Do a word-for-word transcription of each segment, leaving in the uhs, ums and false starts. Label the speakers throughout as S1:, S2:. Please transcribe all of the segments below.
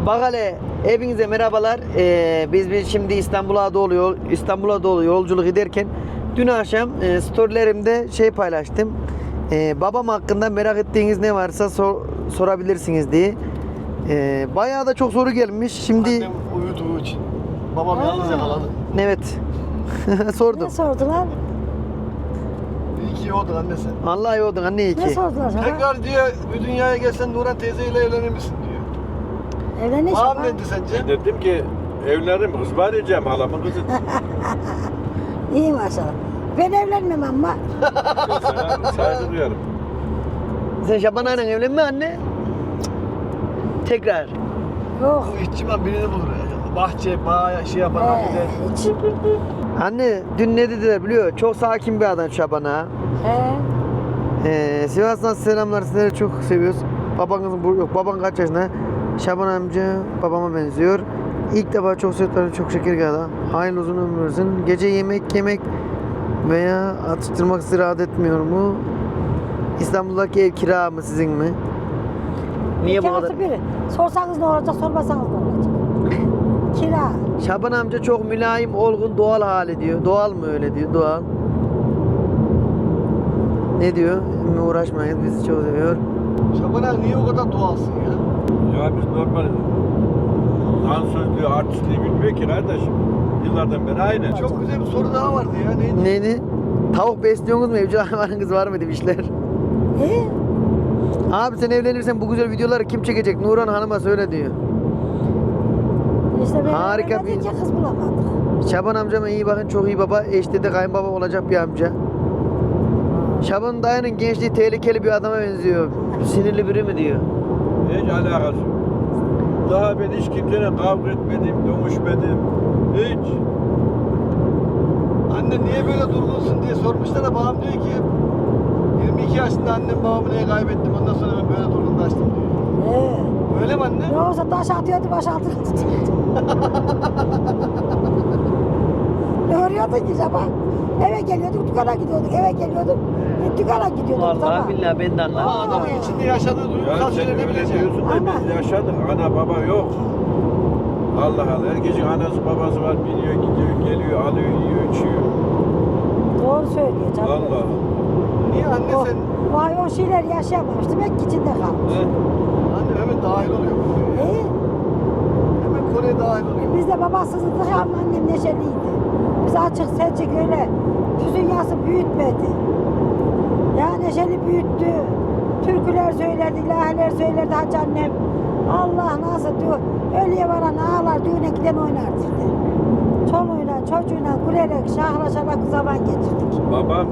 S1: Bak hele, hepinize merhabalar. Ee, biz biz şimdi İstanbul'a doğru yol, İstanbul'a doğru yolculuk ederken dün akşam e, storylerimde şey paylaştım. Ee, babam hakkında merak ettiğiniz ne varsa sor, sorabilirsiniz diye. Ee, bayağı da çok soru gelmiş. Şimdi
S2: Annem uyuduğu için. Babam yalnız yakaladı.
S1: evet. Sordum.
S3: Ne sordular?
S2: İyi ki yoğdun anne sen.
S1: Vallahi yordun anne iyi
S3: Ne
S1: ki.
S3: sordular sana?
S2: Tekrar diyor bir dünyaya gelsen Nurhan teyzeyle evlenir misin diyor.
S3: Evlenir
S2: Babam
S3: şaba.
S2: ne dedi sence?
S4: Ben dedim ki evlenirim, kız var diyeceğim halamın kızı.
S3: İyi maşallah. Ben evlenmem ama.
S4: Sana saygı duyarım.
S1: Sen Şaban Ağa'yla evlenme anne. Tekrar.
S3: Yok.
S2: Bu ihtimal birini bulur ya. Bahçe, bağ, şey yapan
S3: Ee,
S2: gider.
S3: hiç.
S1: Anne dün ne dediler biliyor? Çok sakin bir adam Şaban Ağa.
S3: He.
S1: Ee, Sivas'tan selamlar, sizleri çok seviyoruz. Babanızın bu yok, baban kaç yaşında? Şaban amca babama benziyor. İlk defa çok sütleri çok şeker geldi. Hayırlı uzun ömür versin. Gece yemek yemek veya atıştırmak sizi rahat etmiyor mu? İstanbul'daki ev kira mı sizin mi? Niye bu
S3: İki
S1: kadar?
S3: artı biri. Sorsanız ne olacak, sormasanız ne olacak? Kira.
S1: Şaban amca çok mülayim, olgun, doğal hali diyor. Doğal mı öyle diyor, doğal. Ne diyor? Emmi uğraşmayın, bizi çok seviyor.
S2: Şaban abi niye o kadar doğalsın ya?
S4: Ya biz normal dansözlüğü, artistliği bilmiyor ki kardeşim. Yıllardan beri aynı.
S2: Çok güzel bir soru daha vardı ya. Neydi?
S1: Neydi? Tavuk besliyorsunuz mu? Evcil hayvanınız var mı demişler.
S3: E?
S1: Abi sen evlenirsen bu güzel videoları kim çekecek? Nurhan Hanım'a söyle diyor.
S3: İşte ben
S1: Harika
S3: evlenmedikçe
S1: bir-
S3: kız bulamadık.
S1: Şaban amcama iyi bakın, çok iyi baba. Eşte de kayınbaba olacak bir amca. Şaban dayının gençliği tehlikeli bir adama benziyor. Sinirli biri mi diyor.
S4: Hiç alakası yok. Daha ben hiç kimseyle kavga etmedim, dövüşmedim. Hiç.
S2: Anne niye böyle durgunsun diye sormuşlar da babam diyor ki yirmi iki yaşında annem babamı niye kaybettim ondan sonra ben böyle durgunlaştım diyor.
S3: Ee,
S2: Öyle mi anne?
S3: yoksa taş atıyordu, baş altına tutuyordu. Ne örüyordun ki sabah? Eve geliyorduk, dükkana gidiyorduk, eve geliyorduk, dükkana gidiyorduk.
S1: Vallahi
S3: sabah.
S1: billahi ben de
S2: Ama
S1: anlamadım.
S2: adamın içinde yaşadığı
S4: Ya
S2: duygusal
S4: sen
S2: şeyleri ne
S4: öyle
S2: bileceksin?
S4: diyorsun da
S3: Ama-
S4: biz yaşadık. Ana baba yok. Allah Allah. Herkesin anası babası var. Biniyor, gidiyor, geliyor, alıyor, yiyor, içiyor.
S3: Doğru söylüyor canım.
S4: Allah.
S2: Niye anne
S3: O,
S2: sen?
S3: vay o şeyler yaşayamamış, demek ki içinde kalmış.
S4: He?
S2: Anne hemen dahil oluyor. bu konuya.
S3: İyi.
S2: Hemen konuya dahil oluyor.
S3: Biz de babasızdık ama annem neşeliydi. Biz açık seçik öyle tüzün yası büyütmedi. Ya neşeli büyüttü. Türküler söylerdi, ilahiler söylerdi hacı annem. Allah nasıl diyor, ölüye varan ağlar, düğüne giden oynardı işte. Çoluğuyla, çocuğuyla gülerek, şahlaşarak zaman geçirdik.
S4: Babam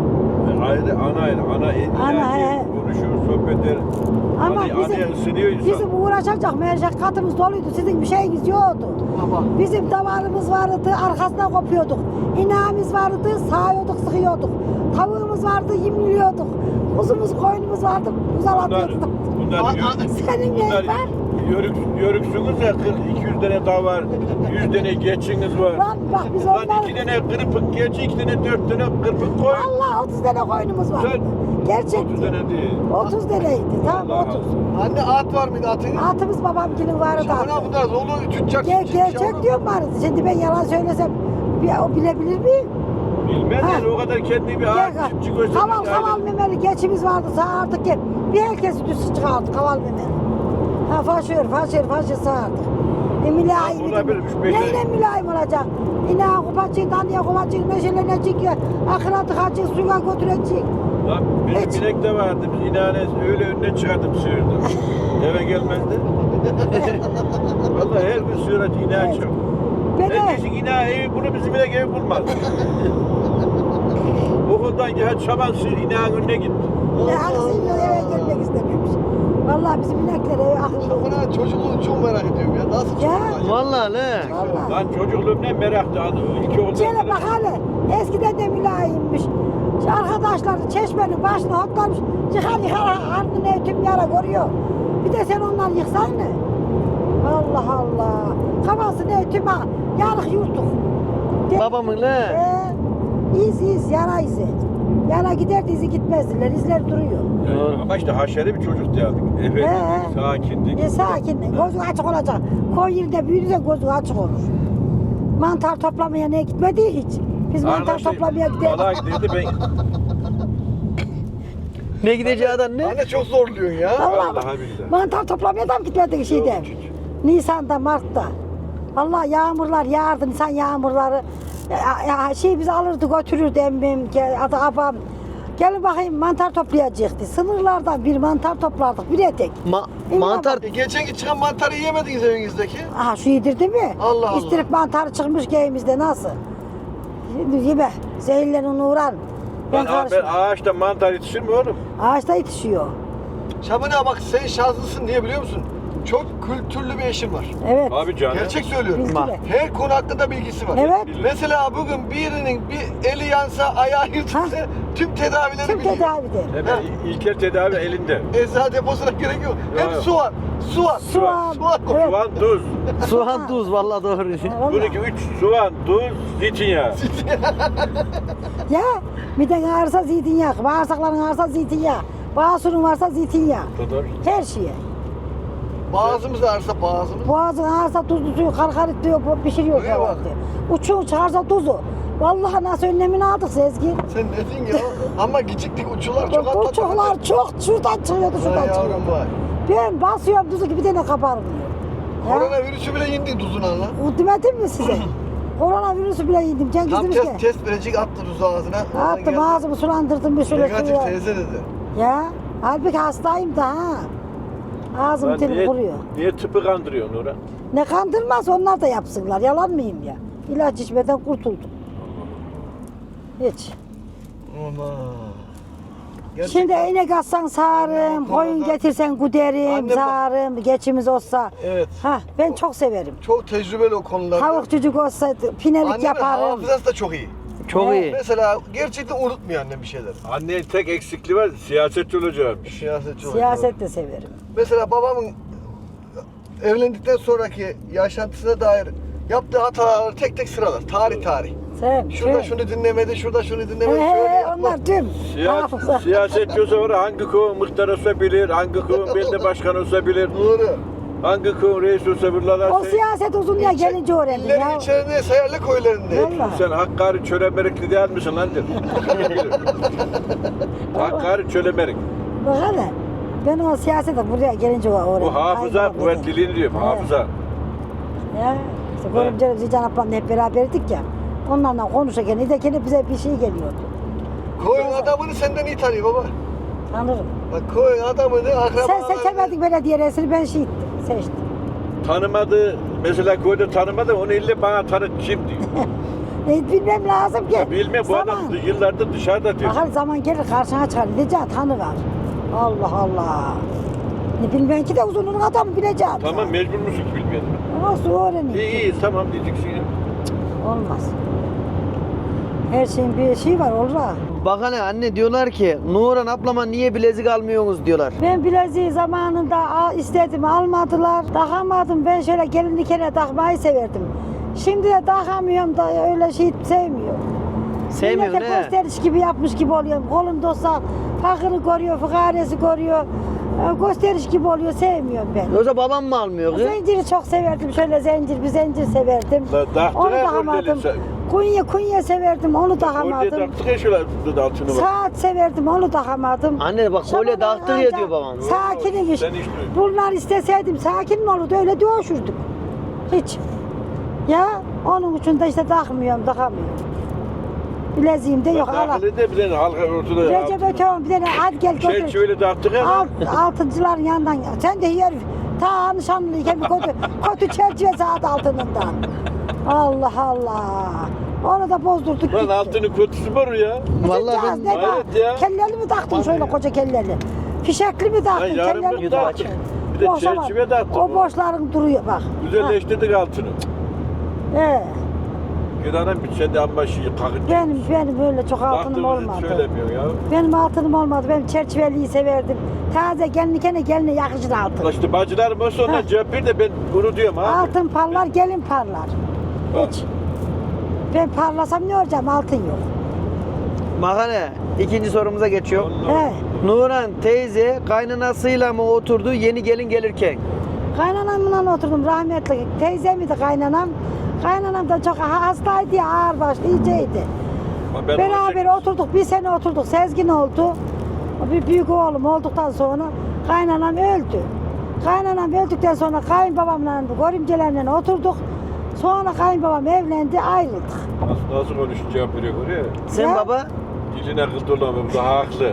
S4: ayrı, ana ayrı. Ana en
S3: Ana,
S4: ilahi
S3: he.
S4: konuşur, sohbet eder.
S3: Ama
S4: Anne,
S3: bizim,
S4: anneye ısınıyor insan.
S3: bizim uğraşacak meşakkatımız doluydu, sizin bir şeyiniz yoktu.
S2: Baba.
S3: Bizim davarımız vardı, arkasından kopuyorduk. İnağımız vardı, sağıyorduk, sıkıyorduk. Tavuğumuz vardı, yemliyorduk. Kuzumuz, koyunumuz vardı,
S4: Bunlar,
S3: uzalatıyorduk.
S4: bunlar,
S2: A-
S4: yörük,
S2: a-
S3: Senin neyin
S4: bunlar
S3: var?
S4: yörük, yörüksünüz ya, kırk, iki yüz tane dağ var, yüz tane geçiniz var.
S3: Lan bak biz
S4: Lan
S3: onlar...
S4: iki tane kırpık geç, iki tane dört tane kırpık koy.
S3: Allah otuz tane koyunumuz vardı.
S4: Sen-
S3: Gerçekti.
S4: otuz tane değil.
S3: otuz taneydi, tamam
S4: Allah
S3: otuz.
S2: Anne at var mıydı atın?
S3: Atımız babamgilin vardı.
S2: Şaban
S3: atı.
S2: abi bunlar oğlu tüccar.
S3: Ger
S2: çiftçi,
S3: gerçek
S2: yavrum.
S3: diyorum vardı. Şimdi ben yalan söylesem bir, o bilebilir miyim?
S4: Bilmez
S3: Ha.
S4: yani o kadar kendi bir ağaç
S3: Gel,
S4: çiftçi göstermiş.
S3: kaval kaval memeli geçimiz vardı sağardık ki bir herkes üstü çıkardı kaval memeli. Ha faşör faşör faşör sağardık. E mülayim
S4: Ha, olabilirmiş, beşer-
S3: neyle mülayim olacak? İna kupacık, dandiye kupacık, neşelenecek ya. Akıra tıkacık, suya götürecek.
S4: Lan
S3: Hiç.
S4: bizim inek de vardı. Biz inanesi öyle önüne çıkardım sığırdı. Eve gelmezdi. Vallahi her gün sığıra ineğe
S3: Evet.
S4: çıkıyor.
S3: Ben de
S4: Herkesin ineği evi bunu bizim inek evi bulmaz. Okuldan gel çaban sığır ineğin önüne git.
S3: ne aksiyonla eve gelmek istememiş. Vallahi bizim inekler eve akıllı.
S2: Şaban abi çocukluğunu çok merak ediyorum ya. Nasıl
S3: Ya.
S2: çocuk acaba?
S1: Vallahi ne?
S3: Vallahi.
S4: Lan çocukluğumdan meraktı. İki okuldan
S3: Şöyle bak hele, eskiden de mülayimmiş. Şu arkadaşları çeşmenin başına hotlamış, yıkar yıkar ardını tüm yara görüyor. Bir de sen ondan yıksan ne? Allah Allah. Kafası ne tüm ha, yarık yurtuk. De-
S1: Babamın ne?
S3: Ee, iz iz, yara izi. Yana giderdi izi gitmezdiler. İzler duruyor.
S4: Yani ama işte haşeri bir çocuk yani. Efendim,
S3: He.
S4: sakindik.
S3: E sakin, gözü açık olacak. Koy yerinde büyüdüyse gözü açık olur. Mantar toplamaya ne gitmedi hiç. Biz mantar
S4: Arkadaşlar,
S3: toplamaya gidelim.
S4: balığa giderdi ben.
S1: Ne gideceği adam ne?
S2: Anne çok zorluyorsun ya.
S3: Vallahi
S4: Vallahi billahi.
S3: mantar toplamaya da mı gitmedik şeyde?
S4: Yok, hiç.
S3: Nisan'da, Mart'ta. Vallahi yağmurlar yağardı, Nisan yağmurları. Ya, ya, şey bizi alırdı götürürdü emmim, gel- adı abam. Gelin bakayım mantar toplayacaktı. Sınırlardan bir mantar toplardık, bir etek.
S1: Ma-
S3: İyi
S1: mantar
S2: E, geçenki çıkan mantarı yiyemediniz evinizdeki.
S3: Aha şu yedirdi mi?
S2: Allah Allah.
S3: İstirip mantarı çıkmış geyimizde nasıl? Şimdi yeme, zehirlerin uğran. Ben
S4: Ben, ben
S3: karışmam.
S4: ağaçta mantar yetişir mi oğlum?
S3: Ağaçta yetişiyor.
S2: Şabane bak sen şanslısın niye biliyor musun? Çok kültürlü bir eşin var.
S3: Evet.
S4: Abi canım.
S2: Gerçek söylüyorum.
S3: Bilgiyle.
S2: Her konu hakkında bilgisi var.
S3: Evet.
S2: Mesela bugün birinin bir eli yansa, ayağı yırtılsa
S3: Ha.
S2: tüm tedavileri
S3: Tüm
S2: biliyor.
S3: tedavidir.
S4: Hemen ilkel tedavi elinde.
S2: Eczane deposuna gerek yok. Hep
S4: Yok.
S2: su var. Su var.
S3: Soğan.
S2: Soğan.
S3: Evet.
S4: Soğan, tuz.
S1: soğan tuz vallahi doğru.
S3: Vallahi.
S4: Bununki üç soğan, tuz, zeytinyağı.
S3: Ya miden ağrısa zeytinyağı, bağırsakların ağrısa zeytinyağı, bağırsorun varsa zeytinyağı.
S4: Kadar.
S3: Her şeye.
S2: Boğazımız ağrısa boğazımız.
S3: Boğazın ağrısa tuzlu suyu karkarit diyor, bu pişiriyor
S2: Öyle bak.
S3: falan diyor. Uçuğun çıkarsa tuzu. Vallahi nasıl önlemini aldık Sezgi.
S2: Sen ne diyorsun ya? Ama geciktik uçular çok atladı.
S3: Uçuklar çok şuradan çıkıyordu, şuradan
S2: Ay
S3: çıkıyordu.
S2: yavrum vay.
S3: Ben basıyorum tuzu gibi de ne kabarmıyor. Ya,
S2: Koronavirüsü bile indi tuzuna lan.
S3: o demedim mi size? Koronavirüsü bile yedim. Cengiz
S2: Tam
S3: demiş
S2: test,
S3: ki.
S2: test verecek attı tuzu ağzına. Oradan
S3: Attım
S2: geldi.
S3: ağzımı sulandırdım bir şöyle
S2: Negatif
S3: suya.
S2: teyze dedi.
S3: Ya halbuki hastayım da ha. Ağzım
S4: Lan
S3: dilim
S4: niye,
S3: kuruyor.
S4: niye tıpı kandırıyorsun Nurhan?
S3: Ne kandırmaz onlar da yapsınlar. Yalan mıyım ya? İlaç içmeden kurtuldum. Hiç.
S2: Aman. Gerçekten-
S3: Şimdi inek atsan sağarım,
S2: Anne,
S3: koyun
S2: bak-
S3: getirsen güderim,
S2: Anne, bak-
S3: sağarım, geçimiz olsa.
S2: Evet.
S3: Ha, ben çok severim.
S2: Çok tecrübeli o konularda.
S3: Tavuk çocuk olsa pinelik
S2: Annemin
S3: yaparım.
S2: hafızası da çok iyi.
S1: Çok
S3: Evet.
S1: iyi.
S2: Mesela gerçekten unutmuyor annem bir şeyler.
S4: Annenin tek eksikliği var, siyasetçi olacakmış.
S2: Siyasetçi olarak.
S3: Siyaset de severim.
S2: Mesela babamın evlendikten sonraki yaşantısına dair yaptığı hataları tek tek sıralar. Tarih tarih.
S3: Sevim.
S2: Şurada
S3: sevim.
S2: şunu dinlemedi, şurada şunu
S3: He
S2: dinlemedi. şöyle
S3: he
S2: yapma.
S3: onlar tüm.
S4: Siya
S3: Hafıza.
S4: siyasetçi olsa var, hangi köyün muhtar olsa bilir, hangi köyün belediye başkanı olsa bilir,
S2: Doğru.
S4: hangi köyün reis olsa bilir. Lan
S3: O
S4: sen-
S3: siyaset uzun ya
S2: İlçe-
S3: gelince öğrendim
S2: İllerin
S3: ya.
S2: içerisinde Sayarlı köylerinde.
S3: Vallahi.
S4: Sen Hakkari Çölemerikli değil misin lan der. Hakkari Çölemerik.
S3: Bak hele. Ben o siyasete buraya gelince öğrendim.
S4: Bu hafıza
S3: Kaybolmadı.
S4: kuvvetliliğini diyorum,
S3: Evet.
S4: hafıza.
S3: Ya işte görümceler Zican ablamla hep beraberdik ya. Onlarla konuşurken İdekene bize bir şey geliyordu.
S2: Koyun adamını senden iyi tanıyor baba.
S3: Tanırım.
S2: Bak koyun adamını
S3: Sen
S2: akrabalarını...
S3: seçemedin belediye reisini ben şey ettim. Seçtim.
S4: Tanımadı, mesela köyde tanımadı, onu ille bana tanıt kim diyor.
S3: E, bilmem lazım ki.
S4: Ya bilmiyorum, bu adam
S3: Zaman.
S4: yıllardır dışarıda diyor.
S3: Bakar zaman gelir karşına çıkar. Diyeceğim tanı var. Allah Allah. Ne bilmeyen ki de uzunluğun adamı bileceğim.
S4: Tamam, mecbur musun ki bilmeyelim.
S3: Nasıl öğreneyim?
S4: İyi iyi, tamam diyeceksin ya.
S3: Olmaz. Her şeyin bir şey var olur ha.
S1: Bak hani anne diyorlar ki Nuran ablama niye bilezik almıyorsunuz diyorlar.
S3: Ben bileziği zamanında al- istedim almadılar. Takamadım ben şöyle gelinlikene takmayı severdim. Şimdi de takamıyorum da öyle şey sevmiyorum.
S1: Sevmiyorsun
S3: Millete
S1: he?
S3: gösteriş gibi yapmış gibi oluyorum. Kolumda olsa fakırı görüyor, fıkaresi görüyor. Ee, Gösteriş gibi oluyor sevmiyorum ben.
S1: Yoksa babam mı almıyor kız?
S3: Zinciri çok severdim. Şöyle zincir, bir zincir severdim.
S4: Da- taktın
S3: Onu
S4: ha
S3: takamadım.
S4: böyle sen.
S3: Kunye kunye severdim. Onu
S4: Oraya
S3: takamadım.
S4: taktık ya şöyle altını bak.
S3: Saat severdim. Onu takamadım.
S1: Anne bak kolye
S3: Şabanın
S1: dağıttır ya
S3: anca
S1: diyor babam.
S3: Sakinmiş.
S4: Sen hiç duyma.
S3: Bunlar isteseydim sakin mi olurdu? Öyle dövüşürdük. Hiç. Ya onun için de işte takmıyorum, takamıyorum. Bileziğim de yok. Allah.
S4: Dahil de bilen halka ortada.
S3: Recep Öteoğlu bir tane hadi gel götür.
S4: Çerçeveli dağıttık ya.
S3: Alt, altıncıların yanından. Sen de herif ta nişanlıyken bir kötü, kötü çerçeve saat altından. Allah Allah. Onu da bozdurduk
S4: Lan
S3: gitti.
S4: altını kötüsü var ya.
S1: Vallahi
S3: Kızcağız
S1: ben
S3: ne
S4: Hayret
S3: bak,
S4: ya.
S3: Kelleli mi taktın şöyle koca kelleli? Fişekli mi taktın?
S4: Ya yarın
S3: kelleli
S4: bir
S3: mi
S4: dağıttık.
S3: taktın?
S4: Bir de
S3: Boşa bak.
S4: çerçeve dağıttık.
S3: O boşların duruyor bak.
S4: Güzelleştirdik altını.
S3: Ha, He.
S4: Gıdanın bir sen de amma şeyi kakıt.
S3: Benim, benim böyle çok altınım
S4: Baktığımızı
S3: olmadı.
S4: söylemiyor ya.
S3: Benim altınım olmadı. Ben çerçeveliyi severdim. Taze gelinlikene geline yakışır altın.
S4: Ulan işte bacılarım olsa
S3: Ha.
S4: ondan cevap ver de ben bunu diyorum abi.
S3: Altın parlar, gelin parlar.
S4: Ha.
S3: Hiç. Ben parlasam ne olacağım? Altın yok.
S1: Mahane, ikinci sorumuza geçiyor.
S3: He.
S1: Nuran teyze kaynanasıyla mı oturdu yeni gelin gelirken?
S3: Kaynanamla oturdum rahmetli. Teyzemiydi kaynanam. Kaynanam da çok hastaydı ya, ağır başlı, iyiceydi.
S4: Ama ben
S3: Beraber
S4: olacak-
S3: oturduk, bir sene oturduk. Sezgin oldu. Bir büyük oğlum olduktan sonra kaynanam öldü. Kaynanam öldükten sonra kayınbabamla, görümcelerle oturduk. Sonra kayınbabam evlendi, ayrıldık.
S4: Nasıl, nasıl konuşup cevap veriyor oraya?
S1: Sen
S3: Ya.
S1: baba?
S4: Diline kız dolamıyor, bu da haklı.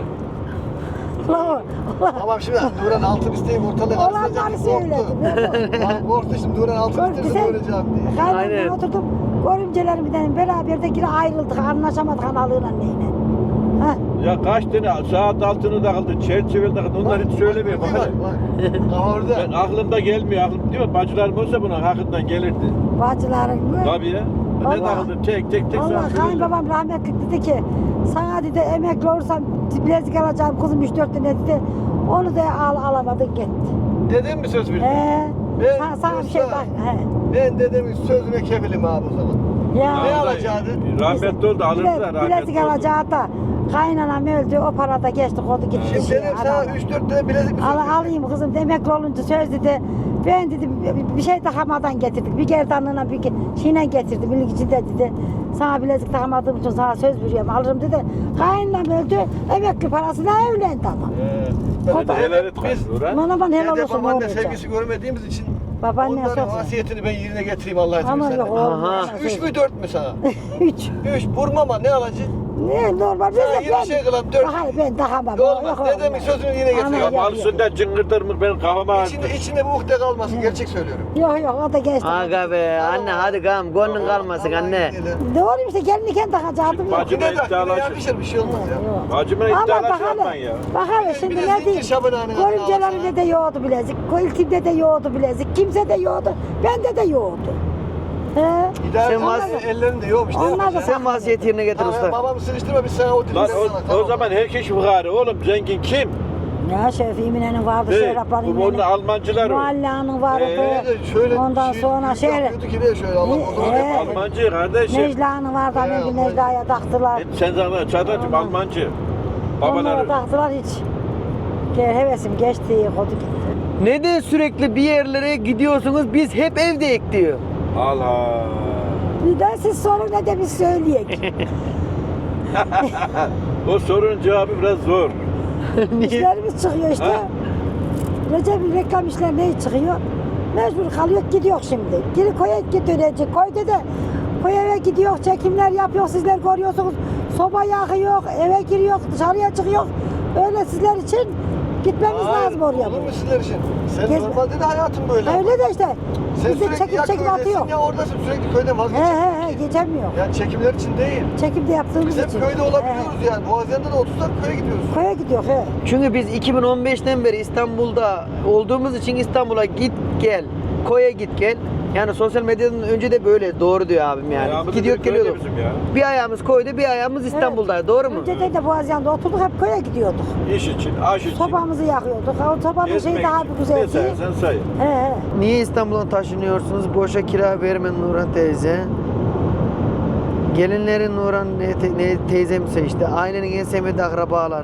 S3: Allah Allah.
S2: Babam şimdi Nuran altın isteyip ortalığı
S3: Olanları
S2: karıştıracak.
S3: söyledi.
S2: Korktu. Korktu şimdi Nuran altın
S3: Korktu,
S2: isterse
S3: sen-
S2: göreceğim diye.
S1: Aynen.
S3: Kaynanamla oturduk. Görümcelerimden beraber de yine ayrıldık. Anlaşamadık analığıyla neyle. Heh.
S4: Ya kaç tane saat altını takıldı, çerçeveli takıldı, onlar hiç söylemiyor.
S2: Bak,
S4: Bak,
S2: bak, bak. Kafa orada.
S4: ben aklımda gelmiyor, aklım değil mi? Bacılarım olsa bunun hakkından gelirdi.
S3: Bacıların mı?
S4: Tabii ya. Ne
S3: Vallahi-
S4: takıldı, tek tek tek
S3: Allah
S4: sana söyleyeceğim.
S3: kayınbabam rahmetli dedi ki sana dedi emekli olursam bilezik alacağım kızım üç dört tane dedi. Onu da al alamadın gitti.
S2: Dedem mi söz verdi?
S3: He.
S2: Ben
S3: Sana, sana bir şey
S2: yoksa-
S3: bak. He.
S2: Ben dedemin sözüne kefilim abi o zaman.
S3: Ya.
S2: Ne alacaktı?
S4: Rahmetli oldu, alırdı da
S3: Bile,
S4: rahmetli
S3: bilezik
S4: oldu.
S3: alacağı da kaynanam öldü o para da geçti kodu gitti.
S2: Şimdi
S3: şey,
S2: dedem sana
S3: alamadı.
S2: üç dört tane bilezik mi söz
S3: Al,
S2: verdi?
S3: alayım kızım emekli olunca söz dedi. Ben dedi bir- bir şey takamadan getirdik. Bir gerdanlığına bir ge- şeyle getirdi. Birlik içinde dedi. Sana bilezik takamadığım için sana söz veriyorum alırım dedi. Kaynanam öldü. Emekli parasına evlendi ama.
S2: Ee,
S4: Sen de helal et
S2: Biz-
S4: Nuran.
S3: Bana bana helal
S2: Dede
S3: olsun ne
S2: babaanne
S3: olacak?
S2: sevgisi görmediğimiz için
S3: Babaanne
S2: onların
S3: çok-
S2: vasiyetini ben yerine getireyim Allah izin
S3: Ama
S2: verirse.
S3: yok oğlum.
S1: Aha.
S3: bana
S2: Üç
S3: söz-
S2: mü dört mü sana?
S3: Üç.
S2: Üç vurmama ne alacaksın?
S3: Ne normal.
S2: Sana
S3: Ben,
S2: yirmi
S3: ben,
S2: şey kılan dört.
S3: Hayır ben takamam.
S2: Olmaz.
S3: Yok,
S2: Dedemin
S3: olmaz.
S2: sözünü yine getir.
S3: Ama
S2: Ya
S3: yok,
S4: Ya mal
S3: yok.
S4: üstünden cıngırtır mı benim kafama ağrıdı.
S2: İçinde, içinde bu ukde kalmasın. Gerçek söylüyorum.
S3: Yok yok o da geçti.
S1: Aga be anne hadi kam gönlün kalmasın anne.
S3: Doğru işte gelinliken takacaktım. yok.
S4: Bacım-
S2: Yine de
S4: iddialaşın.
S2: yine yakışır bir şey olmaz ya.
S3: Yok.
S4: Bacımla
S3: Ama
S4: iddialaş
S3: bak
S4: yapman
S3: hele,
S4: ya.
S3: bak hele şimdi
S2: Bir de
S3: ne
S2: zincir
S3: diyeyim?
S2: Şaban ağanın adını
S3: Görümcelerimde
S2: alsana.
S3: de yoğurdu bilezik, iltimde de yoğurdu bilezik, kimse de yoğurdu, bende de yoğurdu. He?
S2: İdare
S1: Sen vas-
S2: Sen ellerinde yok işte.
S3: Onlar da
S2: yapacaksın.
S1: Sen vasiyet yerine getir
S2: Tamam,
S1: usta.
S2: babamı sıkıştırma biz sana o dilden
S4: Lan
S2: sana.
S4: o,
S2: tamam.
S4: o zaman herkes fukara oğlum, zengin kim?
S3: Ya Şefi İmine'nin vardı,
S4: Hey,
S3: Şerap'ın
S4: bu onun
S3: İmine'nin.
S4: Almancılar o.
S3: Muhalla'nın vardı.
S2: Ee, de şöyle
S3: Ondan
S2: şey-
S3: sonra
S2: yüz
S3: şehre.
S2: yapıyordu ki ne şöyle Allah o zaman
S3: Ee,
S2: hep Alman.
S4: Almancı kardeşim.
S3: Necla'nın vardı,
S2: He,
S3: hani bir
S2: Almancı.
S3: Necla'ya taktılar.
S4: E, Sen sana çatacım
S3: Ondan-
S4: Almancı.
S3: Onlara
S4: Babaları.
S3: taktılar hiç. Gel hevesim geçti, kodu gitti.
S1: Neden sürekli bir yerlere gidiyorsunuz biz hep evdeyik diyor.
S4: Allah.
S3: Bir de siz sorun ne de biz söyleyek.
S4: O sorunun cevabı biraz zor.
S3: İşlerimiz çıkıyor işte.
S4: Ha?
S3: Recep'in reklam işleri ne çıkıyor? Mecbur kalıyor gidiyor şimdi. Geri koya dönecek. Koyda da koy eve gidiyor, çekimler yapıyor, sizler görüyorsunuz. Soba yakıyor, eve giriyor, dışarıya çıkıyor. Öyle sizler için gitmemiz
S2: Hayır,
S3: lazım oraya.
S2: Olur mu sizler için? Sen
S3: Gez-
S2: normalde de hayatın böyle.
S3: Öyle de işte.
S2: Sen
S3: Biz de
S2: sürekli
S3: çekim
S2: ya
S3: çekim
S2: köydesin
S3: atıyor.
S2: ya oradasın sürekli köyden
S3: He
S2: vazgeçemiyorsun.
S3: he he geçemiyor.
S2: Yani çekimler için değil.
S3: Çekimde yaptığımız
S2: Biz hep
S3: için.
S2: köyde
S3: He,
S2: olabiliyoruz yani. Boğaziyan'da da otursak köye gidiyoruz.
S3: he. Koya gidiyor he.
S1: Çünkü biz iki bin on beşten beri İstanbul'da olduğumuz için İstanbul'a git gel, koya git gel. Yani sosyal medyadan önce de böyle doğru diyor abim yani.
S4: Ayağımızı
S1: Gidiyor
S4: bir köyde
S1: geliyorduk.
S4: bizim ya.
S1: Bir ayağımız koyda bir ayağımız İstanbul'da doğru mu?
S3: Önceden de Boğaziyan'da oturduk hep koya gidiyorduk.
S4: İş için, aş için.
S3: Sobamızı yakıyorduk. O sobanın şeyi
S4: gezmek
S3: daha
S4: için.
S3: bir güzel
S4: Ne
S3: değil.
S4: sayarsan say.
S3: He he.
S1: Niye İstanbul'a taşınıyorsunuz? Boşa kira verme Nurhan teyze. Gelinlerin Nurhan ne, te, ne teyzem seçti. Ailenin en sevmediği akrabalar.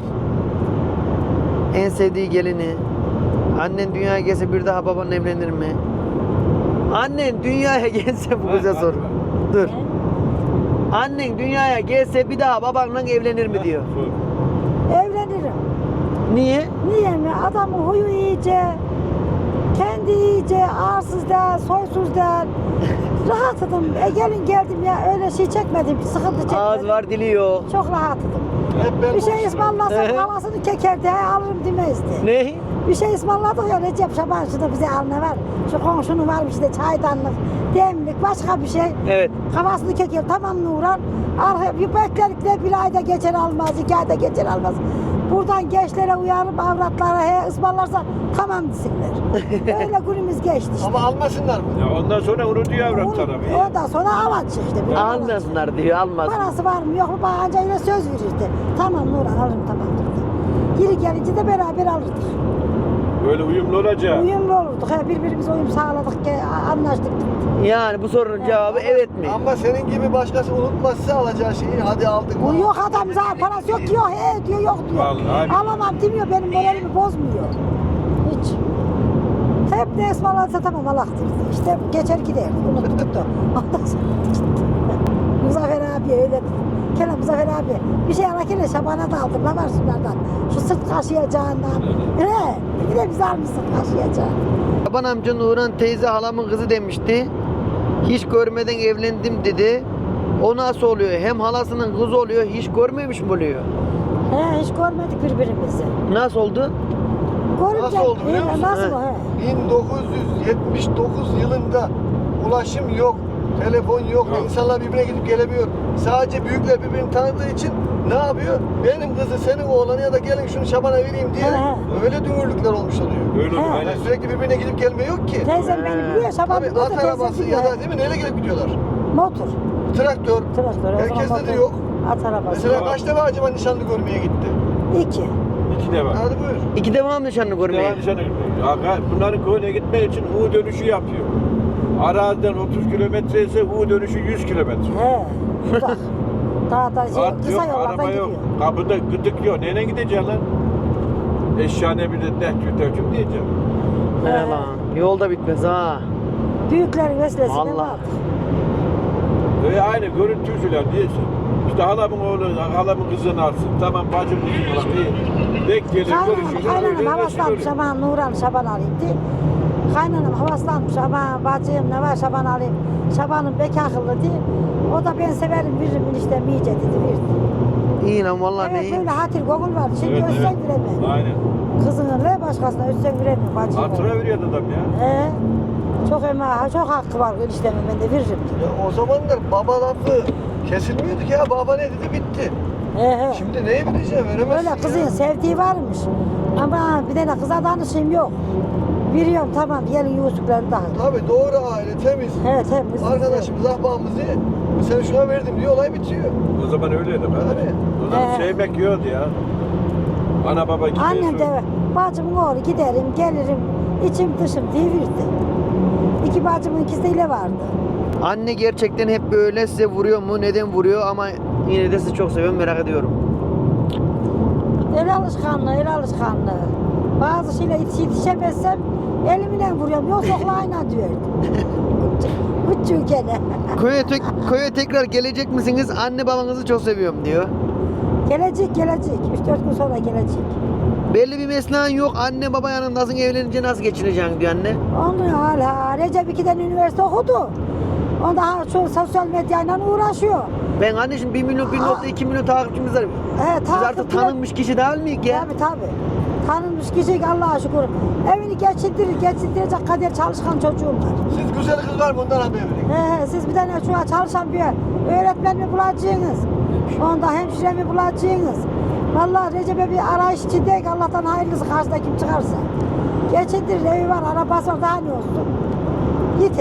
S1: En sevdiği gelini. Annen dünyaya gelse bir daha baban evlenir mi? Annen dünyaya gelse bu güzel
S4: Ha,
S1: soru.
S4: hadi
S1: Dur. Annen dünyaya gelse bir daha babanla evlenir mi diyor.
S4: Sor.
S3: Evlenirim.
S1: Niye?
S3: Niye mi? Adamın huyu iyice, kendi iyice, arsız da, soysuz da. Rahatladım. E gelin geldim ya öyle şey çekmedim, sıkıntı çekmedim.
S1: Ağız var dili yok.
S3: Çok rahatladım.
S2: Hep ben
S3: Bir şey
S2: konuşurum.
S3: ısmarlasam
S1: Ehe.
S3: havasını kekerdi, he, alırım demezdi.
S1: Ne?
S3: Bir şey ısmarladık ya Recep Şaban şurada bize al ne var? Şu komşunun varmış işte çaydanlık, demlik, başka bir şey.
S1: Evet.
S3: Kafasını keker tamam Nuran. Arka bir beklerik de bir ayda geçer almaz, iki ayda geçer almaz. Buradan gençlere uyarıp avratlara he ısmarlarsa tamam desinler. Öyle günümüz geçti işte.
S2: Ama almasınlar mı?
S4: Ya ondan sonra onu diyor avrat tarafı.
S3: Ondan sonra avaç işte. bir avaç.
S1: Almasınlar diyor, almaz.
S3: Parası var mı yok mu bağınca yine söz verirdi. Tamam Nuran alırım tamam dedi. Geri gelince de beraber alırdık.
S4: Öyle uyumlu olacak.
S3: Uyumlu olurduk. He, birbirimize uyum sağladık, ki, anlaştık.
S1: Yani bu sorunun cevabı evet mi?
S2: Ama senin gibi başkası unutmazsa alacağı şeyi hadi aldık.
S3: Bu yok adam zaten parası yok diyor, he diyor, yok diyor.
S4: Vallahi.
S3: Alamam demiyor, benim moralimi bozmuyor. Hiç. Hep ne ısmarlarsa tamam alaktır. İşte geçer gider. Unuttuk da. Ondan sonra gitti. Muzaffer abi öyle dedi. Kenan Muzaffer abi bir şey alırken Şaban'a da aldım. Ne var şunlardan? Şu sırt kaşıyacağından. He. Bir de bize almışsın kaşıyacağın.
S1: Şaban amca Nurhan teyze halamın kızı demişti. Hiç görmeden evlendim dedi. O nasıl oluyor? Hem halasının kızı oluyor, hiç görmemiş mi oluyor?
S3: He hiç görmedik birbirimizi.
S1: Nasıl oldu?
S3: Görünce,
S2: Nasıl oldu biliyor
S3: he,
S2: musun?
S3: Nasıl
S1: He.
S3: o he?
S2: bin dokuz yüz yetmiş dokuz yılında ulaşım yok, telefon yok,
S4: Yok.
S2: insanlar birbirine gidip gelemiyor. Sadece büyükler birbirini tanıdığı için ne yapıyor? Benim kızı senin oğlanı ya da gelin şunu Şaban'a vereyim diye
S3: He.
S2: öyle dümürlükler olmuş oluyor.
S4: Öyle olur.
S3: He.
S4: Aynen.
S2: Yani sürekli birbirine gidip gelme yok ki.
S3: Teyzem beni biliyor, Şaban
S2: Tabii
S3: biliyor da
S2: at
S3: teyzem
S2: arabası
S3: biliyor.
S2: ya da değil mi? Neyle gelip gidiyorlar?
S3: Motor.
S2: Traktör.
S3: Traktör. o zaman
S2: Herkeste de
S3: motor.
S2: yok.
S3: At arabası.
S2: Mesela kaç defa acaba nişanlı görmeye gitti?
S3: İki.
S4: İki de var.
S2: Hadi buyur.
S1: İki devam nişanlı görmeye.
S4: Devam nişanı. Aga, bunların köyüne gitmek için U dönüşü yapıyor. Araziden otuz kilometre ise U dönüşü yüz kilometre.
S3: He. Uzak. Daha da şey,
S4: At
S3: kısa
S4: yok,
S3: yollardan
S4: araba
S3: gidiyor.
S4: yok. Kapıda gıdık yok. Neyle gideceksin lan? Eşyane bir de dehkü dehkü diyeceğim.
S1: He
S3: He.
S1: lan. Yolda bitmez ha.
S3: Büyüklerin vesilesiyle
S1: Vallahi.
S3: vardı.
S4: Öyle aynı görüntü usulü diyorsun. İşte halamın oğlu, halamın kızını alsın. Tamam bacım kızını alsın. İyi. Denk gelir,
S3: Kaynanam,
S4: görüşürüz.
S3: kaynanam
S4: öyle,
S3: havaslanmış
S4: resim
S3: ama Nurhan Şaban alayım diye. Kaynanam havaslanmış ama bacım ne var Şaban alayım. Şaban'ın bek akıllı diye. O da ben severim veririm eniştem iyice dedi verdi.
S1: İyi lan vallahi ne
S3: Evet
S1: iyi.
S3: böyle hatir gogul var. Şimdi
S4: Evet,
S3: ölsen
S4: evet.
S3: veremem.
S4: Aynen.
S3: Kızının ne başkasına ölsen veremiyor bacım.
S4: Hatıra veriyor adam ya.
S3: He. Çok ema, çok hakkı var eniştemin ben de veririm.
S2: Ya o zamanlar baba lafı kesilmiyordu ki ya. Baba ne dedi bitti.
S3: He he.
S2: Şimdi neyi bileceğim veremezsin
S3: Öyle kızın
S2: ya.
S3: sevdiği varmış. Ama bir tane kıza danışayım yok. Biliyorum tamam gelin Yusuf'ları da.
S2: Tabii doğru aile temiz.
S3: He temiz.
S2: Arkadaşımız ahbabımız iyi. Sen şuna verdim diye olay bitiyor.
S4: O zaman öyleydi be.
S2: Tabii.
S4: O zaman
S3: He.
S4: sevmek yiyordu ya. Ana baba gibi.
S3: Annem de bacımın oğlu giderim gelirim içim dışım diye verdi. İki bacımın ikisiyle vardı.
S1: Anne gerçekten hep böyle size vuruyor mu? Neden vuruyor? Ama yine de sizi çok seviyorum, merak ediyorum.
S3: El alışkanlığı, el alışkanlığı. Bazı şeyle yetiş yetişemezsem elimle vuruyorum. Yok soklayla diyor. Küçük gene.
S1: Köye, tek, köye tekrar gelecek misiniz? Anne babanızı çok seviyorum diyor.
S3: Gelecek gelecek. Üç dört gün sonra gelecek.
S1: Belli bir mesleğin yok. Anne baba yanındasın, evlenince nasıl geçineceksin diyor anne.
S3: Onu hala Recep iki'den üniversite okudu. Onda şu sosyal medyayla uğraşıyor.
S1: Ben anneciğim bir milyon, bir nokta iki milyon takipçimiz var.
S3: He,
S1: Biz artık tanınmış kişi değil miyiz ya?
S3: Tabii tabii. Tanınmış kişi Allah'a şükür. Evini geçindirir, geçindirecek kadar çalışkan çocuğum var.
S2: Siz güzel kız var bundan haber verin.
S3: He, he, siz bir tane şu an çalışan bir öğretmen mi bulacaksınız? Onda hemşire mi bulacaksınız? Vallahi Recep'e bir arayış içindeyiz. Allah'tan hayırlısı karşıda kim çıkarsa. Geçindirir, evi var, arabası var, daha ne olsun? Yeter.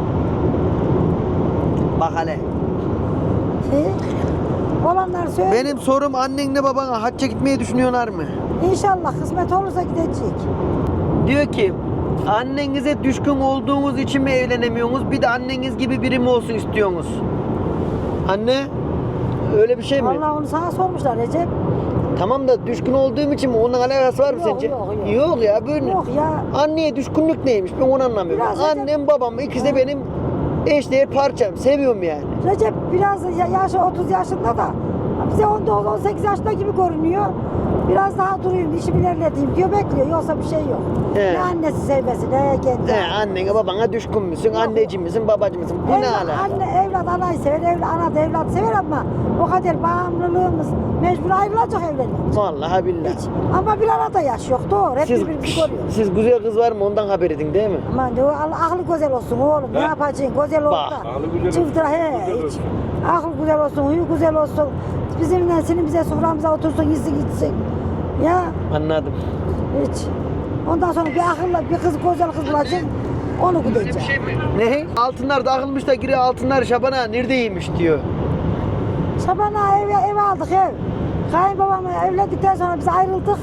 S1: Bak hele.
S3: He? Olanlar söyle.
S1: Benim sorum annenle babana hacca gitmeyi düşünüyorlar mı?
S3: İnşallah kısmet olursa gidecek.
S1: Diyor ki annenize düşkün olduğunuz için mi evlenemiyorsunuz? Bir de anneniz gibi biri mi olsun istiyorsunuz? Anne öyle bir şey mi?
S3: Vallahi onu sana sormuşlar Recep.
S1: Tamam da düşkün olduğum için mi? Onun alakası var mı
S3: Yok,
S1: sence?
S3: yok, yok.
S1: Yok ya böyle.
S3: Yok ya.
S1: Anneye düşkünlük neymiş? Ben onu anlamıyorum.
S3: Biraz Recep-
S1: Annem babam ikisi de
S3: Ha.
S1: benim eşdeğer parçam. Seviyorum yani.
S3: Recep biraz ya- yaşı otuz yaşında da bize on dokuz on sekiz yaşında gibi görünüyor. Biraz daha durayım, işimi ilerleteyim diyor, bekliyor. Yoksa bir şey yok.
S1: He.
S3: Ne annesi sevmesi, ne kendi.
S1: He, annene babana düşkün müsün?
S3: Yok.
S1: Anneci misin? Babacı mısın? Bu ne
S3: Evlat-
S1: alaka?
S3: Anne evlat anayı sever, evlat, ana da evlat sever ama o kadar bağımlılığımız mecbur ayrılacak evlenmek.
S1: Vallahi billahi.
S3: Hiç. Ama bir arada yaş yok, doğru. Hep
S1: Siz,
S3: birbirimizi görüyoruz.
S1: siz güzel kız var mı? Ondan haber edin değil mi?
S3: Aman diyor, Allah- aklı güzel olsun oğlum. Ne
S4: He?
S3: yapacaksın? Güzel ol
S1: Bak,
S3: da.
S4: aklı güzel olsun,
S3: Çıldıra he.
S4: güzel
S3: Hiç.
S4: olsun.
S3: Aklı güzel olsun, huyu güzel olsun. Bizimle senin bize soframıza otursun, yesin gitsin. Ya
S1: Anladım.
S3: hiç. Ondan sonra bir akıllı bir kız güzel kız bulacaksın. Onu gideceksin.
S1: Ne? Altınlar dağılmış da giriyor altınlar Şaban'a neredeymiş diyor.
S3: Şaban'a ev, ev aldık ev. Kayınbabamla evlendikten sonra biz ayrıldık.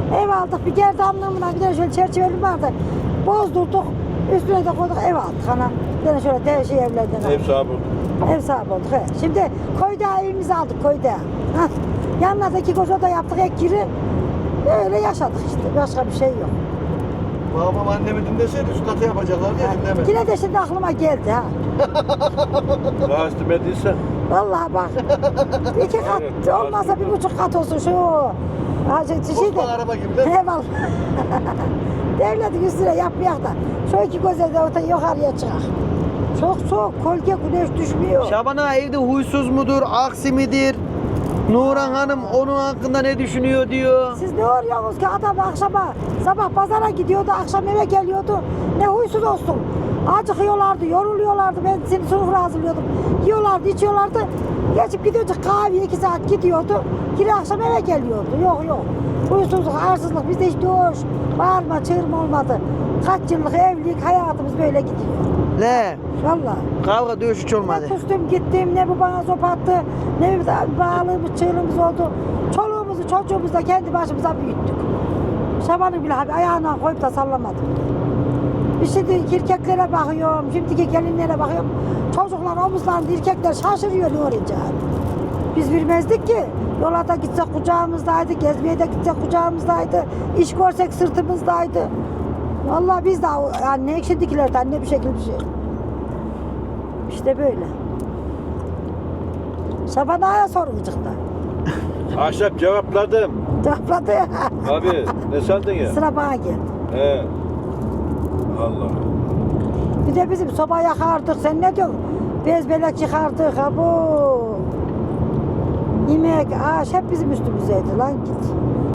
S3: Ev aldık, bir gerdanlığımla bir de şöyle çerçeveli vardı. Bozdurduk, üstüne de koyduk, ev aldık ana. Bir de şöyle de şey evlerden aldık.
S4: Ev sahibi.
S3: Ev sahibi olduk. He. Şimdi koyda evimizi aldık koyda. Hah. Yanına da iki koca da yaptık ek giri. Öyle yaşadık işte. Başka bir şey yok.
S2: Babam annemi dinleseydi şu katı yapacaklar diye dinlemedi.
S3: Yine de şimdi aklıma geldi ha.
S4: Daha istemediysen.
S3: Vallahi bak. İki kat
S4: Evet,
S3: olmazsa bir buçuk kat olsun şu. Ha, şey, şey de.
S2: Osman araba gibi de.
S3: Eyvallah. Devletin üstüne yapmayak da. Şu iki göze de orta yukarıya çıkar. Çok soğuk, kolye güneş düşmüyor.
S1: Şaban ağa evde huysuz mudur, aksi midir? Nuran Hanım onun hakkında ne düşünüyor diyor.
S3: Siz ne arıyorsunuz ki adam akşama sabah pazara gidiyordu, akşam eve geliyordu. Ne huysuz olsun. Acıkıyorlardı, yoruluyorlardı. Ben seni sınıfına hazırlıyordum. Yiyorlardı, içiyorlardı. Geçip gidiyordu kahveye iki saat gidiyordu. Geri akşam eve geliyordu. Yok yok. Huysuzluk, arsızlık bizde hiç doğuş. Bağırma, çığırma olmadı. Kaç yıllık evlilik hayatımız böyle gidiyor.
S1: Le,
S3: Vallahi.
S1: kavga dövüş hiç olmadı.
S3: Ne kustum gittim, ne bu bana sopattı, ne bir bağlığımız, çığlığımız oldu. Çoluğumuzu, çocuğumuzu da kendi başımıza büyüttük. Şaban'ı bile abi ayağına koyup da sallamadım. Bir şimdi erkeklere bakıyorum, şimdiki gelinlere bakıyorum. Çocuklar omuzlarında erkekler şaşırıyor ne olacak. Biz bilmezdik ki. Yola da gitsek kucağımızdaydı, gezmeye de gitsek kucağımızdaydı, iş görsek sırtımızdaydı. Vallahi biz de yani ne ekşidiklerden ne bir şekilde bir şey. İşte böyle. Şaban Ağa'ya sorun çıktı.
S4: Ahşap cevapladım.
S3: Cevapladı ya.
S4: Abi ne sandın ya?
S3: Sıra bana geldi.
S4: He. Allah.
S3: Bir de bizim soba yakardık. Sen ne diyorsun? Bez belek yıkardık. Ha bu. Yemek, ağaç hep bizim üstümüzdeydi lan git.